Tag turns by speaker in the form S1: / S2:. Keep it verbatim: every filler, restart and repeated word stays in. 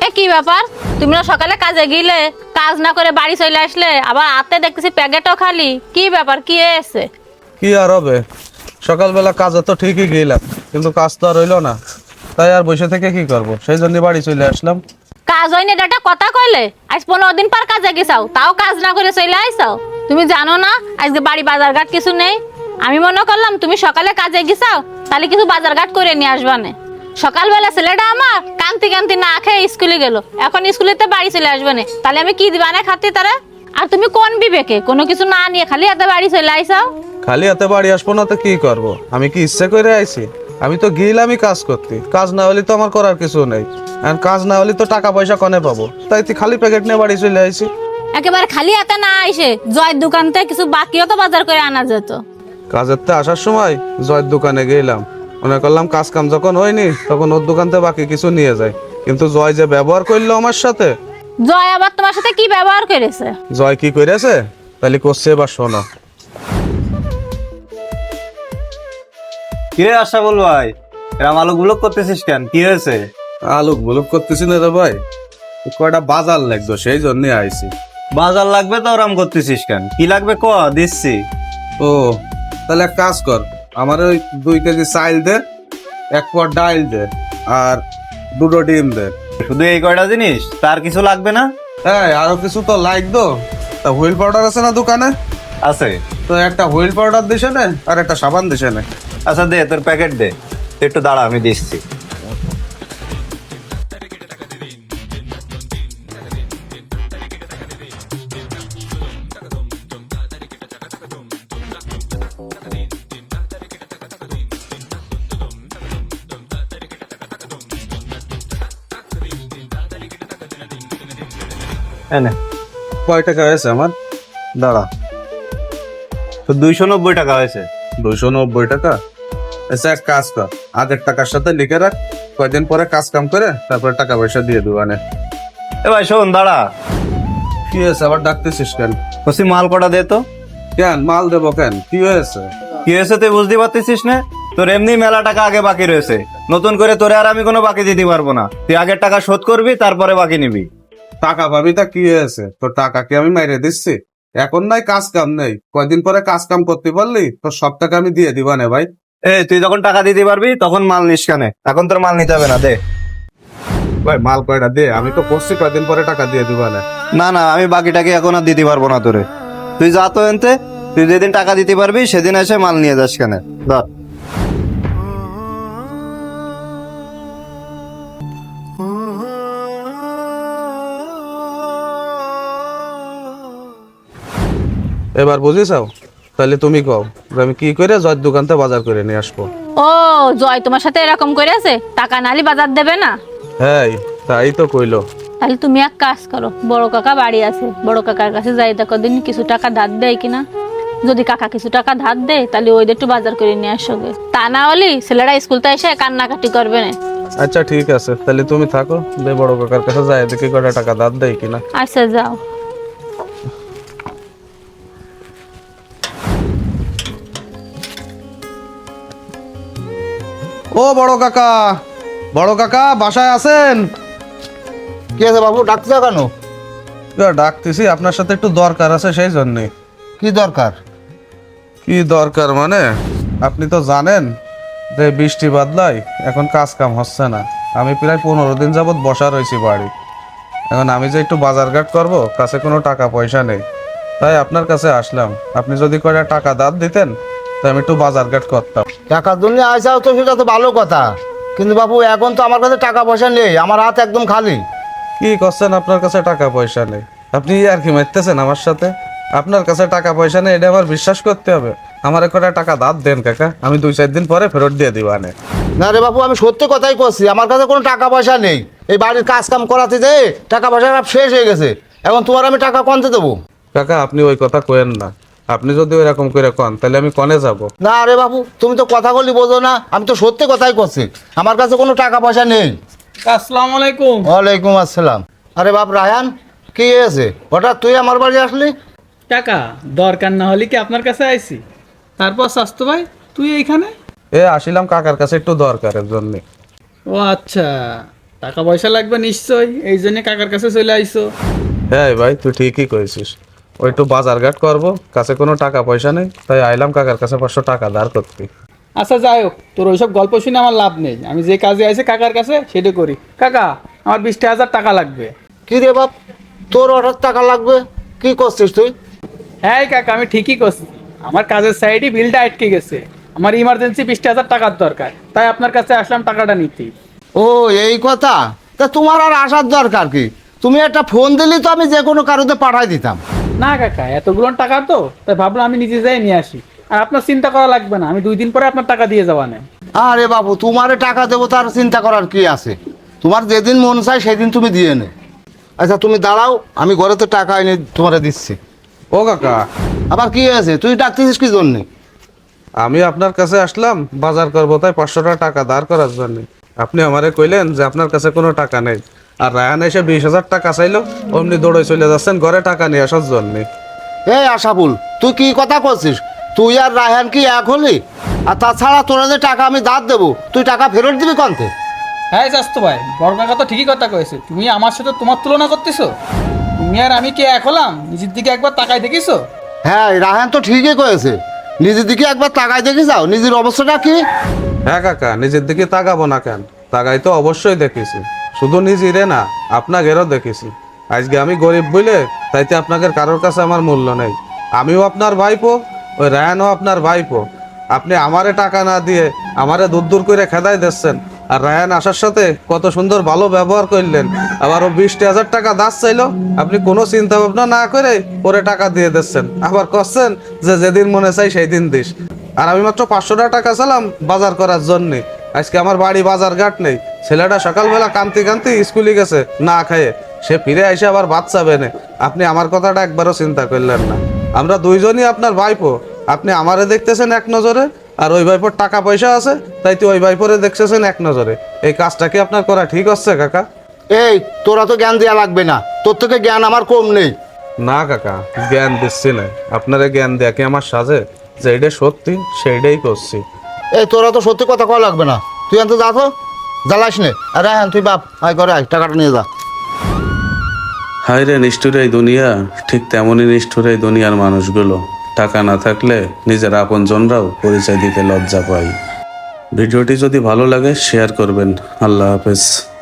S1: এ কি ব্যাপার, তুমি না সকালে কাজে গেলে, কাজ না করে বাড়ি চলে আসলে, আবার হাতে দেখতেছি প্যাকেটও খালি। কি ব্যাপার, কি হয়েছে?
S2: কি আর হবে, সকালবেলা কাজে তো ঠিকই গেলাম, কিন্তু কাজ তো আর হইলো না। তাই আর বসে থেকে কি করব, সেই জন্য বাড়ি চলে আসলাম।
S1: কাজ হয়নি এটা একটা কথা কইলে? আজ পনেরো দিন পর কাজে গেছাও, তাও কাজ না করে চলে আইসাও। তুমি জানো না আজকে বাড়ি বাজার ঘাট কিছু নেই? আমি মনে করলাম তুমি সকালে কাজে গেছাও, তাহলে কিছু বাজার ঘাট করে নিয়ে আসবা না। সকালবেলা ছেলেটা আমার কান্তি কান্তি না খেয়ে স্কুলে গেল, এখন স্কুলেতে বাড়ি চলে আসবে না, তাহলে আমি কি দিবা না খাতে তারা? আর তুমি কোন বিবেকে কোনো কিছু না নিয়ে খালি হাতে বাড়ি চলে আইসাও?
S2: খালি হাতে বাড়ি আসবো না তো কি করব? আমি কি ইচ্ছে করে আইছি? আমি তো গেলামই কাজ করতে, কাজ না হলে তো আমার করার কিছু নেই। আর কাজ না হলে তো টাকা পয়সা কনে পাবো, তাই তুই খালি প্যাকেট নিয়ে বাড়ি চলে আইছি।
S1: একেবারে খালি হাতে না আইসে জয়ের দোকান থেকে কিছু বাকিও তো বাজার করে আনা যেত।
S2: কাজের তে আসার সময় জয়ের দোকানে গেলাম, মনে করলাম কাজ কাম যখন হয়নি তখন ওর দোকান থেকে বাকি কিছু নিয়ে যায়, কিন্তু জয় যে ব্যবহার করলো আমার সাথে।
S1: জয় আবার তোমার সাথে কি ব্যবহার করেছে?
S2: জয় কি করেছে তাহলে করছে, এবার শোনো।
S3: কিরে আশা বল ভাই, এরম আলু গুলো করতেছিস কেন? কি হয়েছে?
S2: আলু বুলুক করতেছি না রে ভাই, কয়টা বাজার লাগতো সেই জন্য আইছি।
S3: বাজার লাগবে তো ওরম করতেছিস কেন? কি লাগবে ক, দিচ্ছি।
S2: ও তাহলে এক কাজ কর, আমার ওই দুই কেজি চাইল দে, এক পট ডাইল দে, আর দুটো ডিম দে।
S3: শুধু এই কয়টা জিনিস, তার কিছু লাগবে না?
S2: হ্যাঁ আরো কিছু তো লাগতো। তা হুইল পাউডার আছে না দোকানে?
S3: আছে।
S2: তো একটা হুইল পাউডার দিছে না, আর একটা সাবান দিছে না।
S3: আচ্ছা দে, তোর প্যাকেট দে, তুই একটু দাঁড়া, আমি দিচ্ছি। এনে
S2: কয় টাকা হয়েছে আমার?
S3: দাঁড়া, তো দুইশো নব্বই টাকা হয়েছে।
S2: দুইশো নব্বই টাকা? আচ্ছা এক কাজ কর, আগের টাকার সাথে লিখে রাখ, কয়দিন পরে কাজ কাম করে তারপরে টাকা পয়সা দিয়ে দেবো। আনে
S3: এ ভাই শোন, দাঁড়া।
S2: কি হয়েছে আবার ডাকতেছিস কেন?
S3: কসি মাল কটা দে তো।
S2: কেন মাল দেবো কেন, কি হয়েছে?
S3: কি হয়েছে তুই বুঝতে পারতেছিস না? তোর এমনি মেলা টাকা আগে বাকি রয়েছে, নতুন করে তোরে আর আমি কোনো বাকি দিতে পারবো না। তুই আগের টাকা শোধ করবি, তারপরে বাকি নিবি।
S2: টাকা পাবি তা কি হয়েছে, তোর টাকা কি আমি মাইরে দিচ্ছি? এখন নাই কাজ কাম নেই, কয়দিন পরে কাজ কাম করতে পারলি তোর সব টাকা আমি দিয়ে দিবা না ভাই।
S3: এ তুই যখন টাকা দিতে পারবি তখন মাল নিস কেনে? এখন তোর মাল নিতে হবে না, দে।
S2: ভাই মাল কয়টা দে, আমি তো করছি কয়দিন পরে টাকা দিয়ে দিবা না।
S3: না না, আমি বাকিটাকে এখন আর দিতে পারবো না তোরে। তুই যা তো এনতে, তুই যেদিন টাকা দিতে পারবি সেদিন এসে মাল নিয়ে যাস কেনে, ধর।
S2: এবার বুঝিসাও, তাহলে তুমি কও যে আমি কি করে জয়ের দোকান থেকে বাজার করে নিয়ে আসবো।
S1: ও জয় তোমার সাথে এরকম করেছে, টাকা নালি বাজার দেবে না?
S2: হ্যাঁ তাই তো কইলো।
S1: তাহলে তুমি এক কাজ করো, বড় কাকা বাড়ি আছে, বড় কাকার কাছে যাই দেখো দিন কিছু টাকা ধার দেয় কিনা। যদি কাকা কিছু টাকা ধার দেয় তাহলে ওইদের একটু বাজার করে নিয়ে আসবে, তা না হলে ছেলেরা স্কুলতে এসে কান্নাকাটি করবে না।
S2: আচ্ছা ঠিক আছে, তাহলে তুমি থাকো, দে বড় কাকার কাছে যাই দেখি কয়টা টাকা ধার দেয় কিনা।
S1: আচ্ছা যাও।
S2: ও বড় কাকা, বড় কাকা বাসায় আছেন?
S4: কি আছে বাবু, ডাকতে কেন?
S2: ইয়া, ডাকতেছি আপনার সাথে একটু দরকার আছে সেই জন্যে।
S4: কি দরকার?
S2: কি দরকার মানে, আপনি তো জানেন যে বৃষ্টি বাদলায় এখন কাজ কাম হচ্ছে না। আমি প্রায় পনেরো দিন যাবৎ বসা রয়েছি বাড়ি। এখন আমি যে একটু বাজার ঘাট করবো, কাছে কোনো টাকা পয়সা নেই, তাই আপনার কাছে আসলাম। আপনি যদি কয়টা টাকা ধার দিতেন তাই আমি একটু বাজার ঘাট করতাম।
S4: টাকার জন্য আইসাও তো সেটা তো ভালো কথা, কিন্তু বাবু এখন তো আমার কাছে টাকা পয়সা নেই, আমার হাত একদম খালি।
S2: কি করছেন, আপনার কাছে টাকা পয়সা নেই? আপনি আর কি মারতেছেন আমার সাথে? আপনার কাছে টাকা পয়সা নেই এটা আমার বিশ্বাস করতে হবে? আমার কয়টা টাকা ধার দেন কাকা, আমি দুই চার দিন পরে ফেরত দিয়ে দিব। আনে
S4: না রে বাবু, আমি সত্যি কথাই করছি, আমার কাছে কোনো টাকা পয়সা নেই। এই বাড়ির কাজ কাম করাতে যে টাকা পয়সা সব শেষ হয়ে গেছে, এখন তোমার আমি টাকা কনতে দেবো?
S2: কাকা আপনি ওই কথা কয়েন না, আপনি যদি ওইরকম করে কন তাহলে আমি কনে যাব?
S4: না রে বাবু, তুমি তো কথা বলি বোঝো না, আমি তো সত্যি কথাই করছি, আমার কাছে কোনো টাকা পয়সা নেই।
S5: আসসালামু আলাইকুম।
S4: ওয়ালাইকুম আসসালাম। আরে বাপ রায়ান, কি হয়েছে হঠাৎ তুই আমার বাড়ি আসলি?
S5: টাকা দরকার না হলে কি আপনার কাছে আইছি? তারপর স্বাস্থ্য ভাই তুই এইখানে?
S2: এ আসিলাম কাকার কাছে একটু দরকারের জন্য।
S5: ও আচ্ছা, টাকা পয়সা লাগবে নিশ্চয়, এই জন্য কাকার কাছে চলে আইছো।
S2: হ্যাঁ ভাই, তুই ঠিকই কইছিস। ওই একটু বাজার ঘাট করবো, কাছে কোনো টাকা পয়সা নেই, তাই আইলাম কাকার কাছে পাঁচশো টাকা ধার করতে।
S5: আচ্ছা যাই হোক, তোর ওইসব গল্প শুনে আমার লাভ নেই। আমি যে কাজে আইছি কাকার কাছে সেটা করি। কাকা, আমার বিশটা হাজার টাকা লাগবে।
S4: কি রে বাপ, তোর হঠাৎ টাকা লাগবে? কি করছিস তুই?
S5: হ্যাঁ কাকা, আমি ঠিকই করছি। আমার কাজের সাইডে বিলটা আটকে গেছে, আমার ইমার্জেন্সি বিশটা হাজার টাকার দরকার, তাই আপনার কাছে আসলাম টাকাটা নিতে।
S4: ও এই কথা, তা তোমার আর আসার দরকার কি? তুমি একটা ফোন দিলি তো আমি যে কোনো কারোতে পাঠাই দিতাম।
S5: না কাকা, এতগুলো টাকা তো, তাই ভাবলাম আমি নিজে যাই নিয়ে আসি। আর আপনার চিন্তা করা লাগবে না, আমি দুই দিন পরে আপনার টাকা দিয়ে যাওয়া নেই।
S4: আরে বাবু, তোমারে টাকা দেবো তার চিন্তা করার কি আছে? তোমার যেদিন মন চায় সেদিন তুমি দিয়ে নে। আচ্ছা তুমি দাঁড়াও, আমি ঘরেতে টাকা এনে তোমারে দিচ্ছি।
S2: ও কাকা,
S4: আবার কি হয়েছে? তুই ডাকতেছিস কি জন্যে?
S2: আমি আপনার কাছে আসলাম বাজার করবো, তাই পাঁচশো টাকা ধার করার জন্য। আপনি আমারে কইলেন যে আপনার কাছে কোনো টাকা নেই, আর রায়ান এসে বিশ হাজার টাকা চাইলো, অমনি দৌড়ে চলে যাচ্ছেন ঘরে টাকা নিয়ে আসার জন্য।
S4: এই আশাফুল, তুই কি কথা করছিস? তুই আর রায়হান কি এক হলি? আর তাছাড়া তোরা যে টাকা আমি ধার দেবো, তুই টাকা ফেরত দিবি কন্তে?
S5: হ্যাঁ চাস্তু ভাই, বড় কাকা তো ঠিকই কথা কয়েছে। তুমি আমার সাথে তোমার তুলনা করতেছো? তুমি আর আমি কি এক হলাম? নিজের দিকে একবার তাকাই দেখিছো?
S4: হ্যাঁ, রায়হান তো ঠিকই কয়েছে। নিজের দিকে একবার তাকাই দেখে যাও, নিজের অবস্থাটা কি?
S2: হ্যাঁ কাকা, নিজের দিকে তাকাবো না কেন? তাকাই তো অবশ্যই দেখেছি, শুধু নিজেরে না আপনাকেরও দেখেছি। আজকে আমি গরিব বলে তাইতে আপনাদের কারোর কাছে আমার মূল্য নেই। আমিও আপনার ভাইপো, ওই রায়ানও আপনার ভাইপো। আপনি আমারে টাকা না দিয়ে আমারে দূর দূর করে খেদাই দিচ্ছেন, আর রায়ান আসার সাথে কত সুন্দর ভালো ব্যবহার করলেন। আবার ও বিশটি হাজার টাকা দাস চাইলো, আপনি কোনো চিন্তা ভাবনা না করে পরে টাকা দিয়ে দিচ্ছেন। আবার করছেন যে যেদিন মনে চাই সেই দিন দিস। আর আমি মাত্র পাঁচশো টাকা চালাম বাজার করার জন্যে। আজকে আমার বাড়ি বাজার ঘাট নেই, ছেলেটা সকালবেলা কান্তি কান্তি স্কুলে গেছে না খাইয়ে, সে ফিরে এসে আবার ভাত চাবে না। আপনি আমার কথাটা একবারও চিন্তা করলেন না। আমরা দুইজনই আপনার ভাইপো, আপনি আমারে দেখতেছেন এক নজরে, আর ওই ভাইপোর টাকা পয়সা আছে তাই তো ওই ভাইপোরে দেখতেছেন এক নজরে। এই কাজটা কি আপনার করা ঠিক হচ্ছে কাকা?
S4: এই তোরা তো জ্ঞান দেওয়া লাগবে না, তোর থেকে জ্ঞান আমার কম নেই।
S2: না কাকা, জ্ঞান দিচ্ছি না। আপনারা জ্ঞান দেয়া কি আমার সাজে? যেইটা সত্যি সেইটাই করছি।
S4: এই তোরা তো সত্যি কথা কওয়া লাগবে না, তুই আনতে যা তো, জ্বালাস নে। আর রায়হান তুই বাপ আয় করে আয়, টাকাটা নিয়ে যা।
S2: হায় রে নিষ্ঠুর এই দুনিয়া, ঠিক তেমনই নিষ্ঠুর এই দুনিয়ার মানুষগুলো। টাকা না থাকলে নিজের আপনজনরাও পরিচয় দিতে লজ্জা পায়। ভিডিওটি যদি ভালো লাগে শেয়ার করবেন। আল্লাহ হাফেজ।